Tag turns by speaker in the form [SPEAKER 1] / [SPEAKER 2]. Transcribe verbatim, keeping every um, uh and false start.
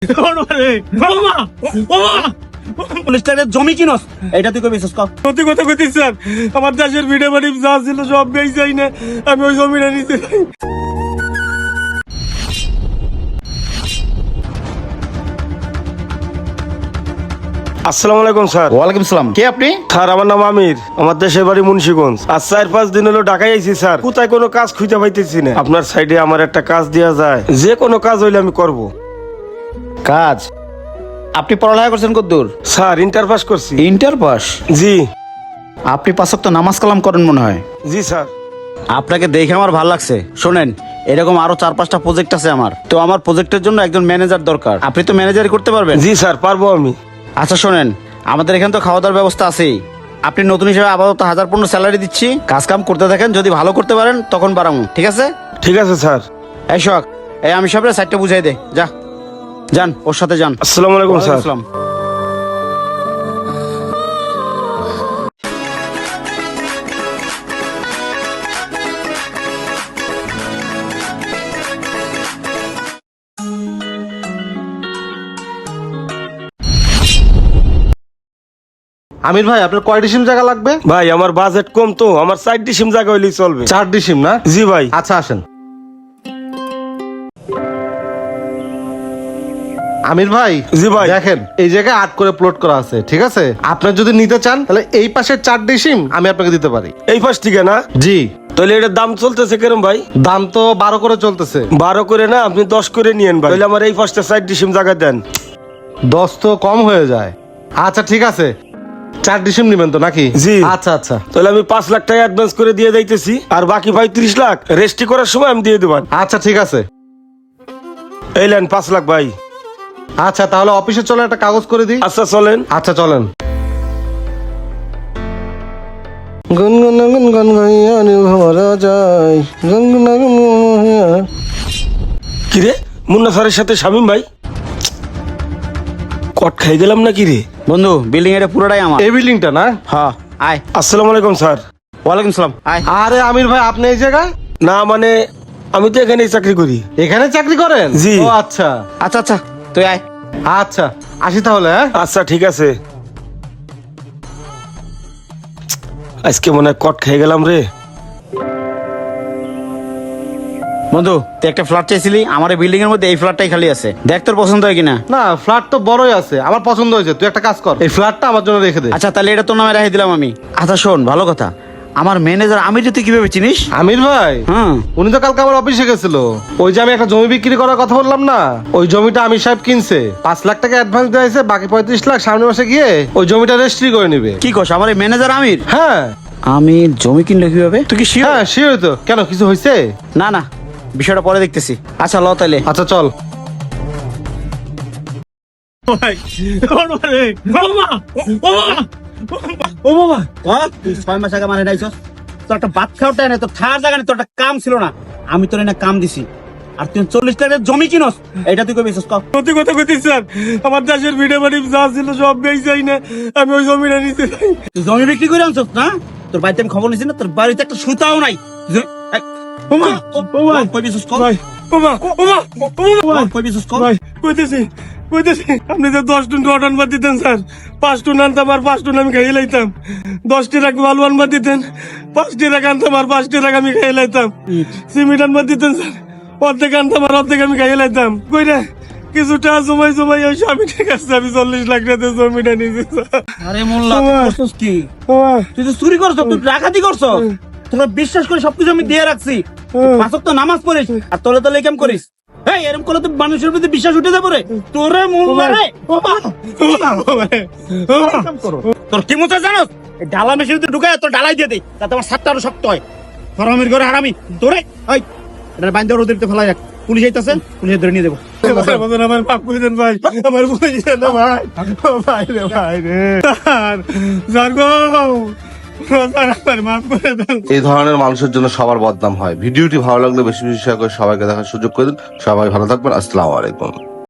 [SPEAKER 1] জমি কিনস এটা তুই কই বিশ্বাস কর?
[SPEAKER 2] সত্যি কথা কইতেছি স্যার, আমার দেশের ভিডিও বাড়ি যা ছিল সব বেচাই না, আমি ওই জমিটা নিতে। আসসালামু আলাইকুম স্যার।
[SPEAKER 3] ওয়ালাইকুম সালাম। কে আপনি?
[SPEAKER 2] স্যার আমার নাম আমির, আমার দেশের বাড়ি মুন্সিগঞ্জ। আজ চার পাঁচ দিন হলো ঢাকায় আইছি স্যার, কোথায় কোনো কাজ খুঁজে পাইতেছি না। আপনার সাইডে আমার একটা কাজ দেওয়া যায়, যে কোনো কাজ হইলে আমি করব।
[SPEAKER 3] কাজ? আপনি পড়ালেখা করছেন কতদূর?
[SPEAKER 2] স্যার ইন্টার পাস করছি।
[SPEAKER 3] Inter pass?
[SPEAKER 2] জি।
[SPEAKER 3] আপনি পাঁচ ওয়াক্ত নামাজ কালাম করেন মনে হয়।
[SPEAKER 2] জি স্যার।
[SPEAKER 1] আপনাকে দেখে আমার ভালো লাগছে। শোনেন, এরকম আরো চার পাঁচটা প্রজেক্ট আছে আমার, তো আমার প্রজেক্টের জন্য একজন ম্যানেজার দরকার। আপনি তো ম্যানেজারই করতে পারবেন?
[SPEAKER 2] জি স্যার পারবো আমি।
[SPEAKER 1] আচ্ছা শোনেন, আমাদের এখানে তো খাওয়া দাওয়ার ব্যবস্থা আছেই। আপনি নতুন হিসেবে আপাতত হাজার পনেরো স্যালারি দিচ্ছি, কাজ কাম করতে থাকেন, যদি ভালো করতে পারেন তখন বাড়াবো। ঠিক আছে?
[SPEAKER 2] ঠিক আছে স্যার।
[SPEAKER 1] এই শখ, এই আমি সব সাইডটা বুঝাই দে, যা যান ওর সাথে যান।
[SPEAKER 2] আসসালামু আলাইকুম স্যার।
[SPEAKER 1] আসসালাম।
[SPEAKER 4] আমির ভাই, আপনার কয় ডিসিম জায়গা লাগবে?
[SPEAKER 2] ভাই আমার বাজেট কম তো, আমার চার ডিসিম জায়গা হইলেই চলবে।
[SPEAKER 4] চার ডিসিম না?
[SPEAKER 2] জি ভাই।
[SPEAKER 4] আচ্ছা আসেন। আমির ভাই,
[SPEAKER 2] জি ভাই।
[SPEAKER 4] দেখেন এই জায়গায় আট করে প্লট করা আছে, ঠিক আছে? আপনার যদি নিতে চান তাহলে এই পাশের চার ডিসিম আমি আপনাকে দিতে পারি।
[SPEAKER 2] এই পাশ থেকে না?
[SPEAKER 4] জি।
[SPEAKER 2] তাহলে এটার দাম চলতেছে কেরম ভাই?
[SPEAKER 4] দাম তো বারো করে চলতেছে।
[SPEAKER 2] বারো করে না, আপনি দশ করে নিয়েন ভাই। তাহলে আমার এই পাশটা চার ডিসিম জায়গা দেন।
[SPEAKER 4] দশ তো কম হয়ে যায়। আচ্ছা ঠিক আছে, চার ডিসিম নিবেন তো নাকি?
[SPEAKER 2] জি।
[SPEAKER 4] আচ্ছা আচ্ছা
[SPEAKER 2] তাহলে আমি পাঁচ লাখ টাকা অ্যাডভান্স করে দিয়ে যাইতেছি, আর বাকি ভাই ত্রিশ লাখ রেজিস্ট্রি করার সময় আমি দিয়ে দেবেন।
[SPEAKER 4] আচ্ছা ঠিক আছে।
[SPEAKER 2] এই লেন পাঁচ লাখ ভাই।
[SPEAKER 4] আচ্ছা তাহলে অফিসে চলে একটা কাগজ করে দিই।
[SPEAKER 2] আচ্ছা চলেন।
[SPEAKER 4] আচ্ছা চলেন। গুনগুন গুনগুন গাইয়ানি ভরা যায়, গুনগুন গুনগুন।
[SPEAKER 2] কিরে, মুন্না স্যারের সাথে শামিম ভাই কট খাই গেলাম না কিরে?
[SPEAKER 1] বন্ধু, বিল্ডিং এটা পুরোটাই আমার।
[SPEAKER 4] এই বিল্ডিংটা না?
[SPEAKER 1] হ্যাঁ, আয়।
[SPEAKER 2] আসসালামু আলাইকুম স্যার।
[SPEAKER 1] ওয়ালাইকুম সালাম, আয়।
[SPEAKER 4] আরে আমির ভাই, আপনি এই জায়গায়?
[SPEAKER 2] না মানে আমি তো এখানেই চাকরি করি।
[SPEAKER 4] এখানে চাকরি করেন?
[SPEAKER 2] জি।
[SPEAKER 4] ও আচ্ছা
[SPEAKER 1] আচ্ছা আচ্ছা, তুই আয়।
[SPEAKER 4] আচ্ছা, আসি তাহলে। হ্যাঁ
[SPEAKER 2] আচ্ছা ঠিক আছে। আজকে মনে হয় কট খেয়ে গেলাম রে।
[SPEAKER 1] বন্ধু, তুই একটা ফ্ল্যাট চাইছিলি, আমার এই বিল্ডিং এর মধ্যে এই ফ্ল্যাটটাই খালি আছে, দেখ তোর পছন্দ হয় কিনা।
[SPEAKER 4] না, ফ্ল্যাট তো বড়ই আছে, আমার পছন্দ হয়েছে। তুই একটা কাজ কর, এই ফ্ল্যাটটা আমার জন্য রেখে দে।
[SPEAKER 1] আচ্ছা তাহলে এটা তোর নামে রেখে দিলাম আমি। আচ্ছা শোন, ভালো কথা, আমার ম্যানেজার আমির তুই কিভাবে চিনিস?
[SPEAKER 4] আমির ভাই,
[SPEAKER 1] হুম।
[SPEAKER 4] উনি তো কালকে আমার অফিসে গেছিল। ওই যে আমি একটা জমি বিক্রি করার কথা বললাম না, ওই জমিটা আমির সাহেব কিনছে। পাঁচ লাখ টাকা অ্যাডভান্স দিয়েছে, বাকি পঁয়ত্রিশ লাখ সামনের মাসে গিয়ে ওই জমিটা রেজিস্ট্রি করে নিবে।
[SPEAKER 1] কি কস, আমার এই ম্যানেজার আমির?
[SPEAKER 4] হ্যাঁ।
[SPEAKER 1] আমি জমি কিনলে কিভাবে? তুই কি শিওর?
[SPEAKER 4] হ্যাঁ শিওর তো। কেন, কিছু হয়েছে?
[SPEAKER 1] না না, বিষয়টা পরে দেখতেছি। আচ্ছা ল তাইলে।
[SPEAKER 4] আচ্ছা চল।
[SPEAKER 1] ও বাবা, তুই ছয় মাস আগে মানে নাইছস, তোর একটা ভাত খাওয়াটা না, তোর থাকার জায়গা নেই, তোর একটা কাম ছিল না, আমি তোর এনে কাম দিছি, আর তুই চল্লিশ লাখের জমি কিনস, এটা তুই কই বিশ্বাস কর?
[SPEAKER 2] সত্যি কথা কইতেছি স্যার, আমার দেশের ভিডিও বাড়ি যা ছিল সব বেচাই না, আমি ওই জমিটা নিতে।
[SPEAKER 1] তুই জমি বিক্রি করে আনছস না? তোর বাড়িতে আমি খবর নিছি না, তোর বাড়িতে একটা সুতাও নাই। তুই- এই,
[SPEAKER 2] ওমা ওমা
[SPEAKER 1] কই বিশ্বাস কর?
[SPEAKER 2] ভাই, ওমা ওমা ওমা
[SPEAKER 1] কই বিশ্বাস কর?
[SPEAKER 2] ভাই কইতেছি কইতেছি, আপনি যে দশ টুন রড আনবার দিতেন স্যার, পাঁচ টুন আনতাম আর পাঁচ টুন আমি খাইয়ে লাইতাম। দশটি রাখ বালু আনবার দিতেন, পাঁচটি রাখ আনতাম আর পাঁচটি রাখ আমি খাইয়ে লাইতাম। সিমেন্ট আনবার দিতেন স্যার, অর্ধেক আনতাম আর অর্ধেক আমি খাইয়ে লাইতাম। কই রে, কিছুটা জমাই জমাই ওই স্বামী ঠিক আছে, আমি চল্লিশ লাখ টাকা জমিটা নিয়েছি স্যার।
[SPEAKER 1] আরে মোল্লা, তুই করছস কি?
[SPEAKER 2] ওমা
[SPEAKER 1] তুই তো চুরি করছস, তুই ডাকাতি করছস। তোরা বিশ্বাস করে সবকিছু আমি দিয়ে রাখছি, পাঁচ ওয়াক্ত নামাজ পড়িস আর তোলে তোলে কাম করিস। এই এরকম করলে তো মানুষের প্রতি বিশ্বাস উঠে যাবে রে। তোরে মোল্লা রে, তোর কি মতো জানোস? এই ডালা মেশিন ভিতরে ঢুকায় তোর ডালাই দিয়ে দেই, তাতে আমার সাতটা আরো শক্ত হয়। হারামির ঘরে হারামি তোরে। ওই এটা বাইন্দা রোদের ফেলাই রাখ, পুলিশ আইতাছে, পুলিশে ধরে নিয়ে দেবো।
[SPEAKER 2] আমার মাফ করে দেন ভাই, আমার ভুলে গেছে না ভাই। ও ভাই রে ভাই রে স্যার, স্যার গো স্যার, আমার মাফ করে দেন।
[SPEAKER 5] এই ধরনের মানুষের জন্য সবার বদনাম হয়। ভিডিওটি ভালো লাগলে বেশি বেশি শেয়ার করে সবাইকে দেখার সুযোগ করে দিন। সবাই ভালো থাকবেন। আসসালামু আলাইকুম।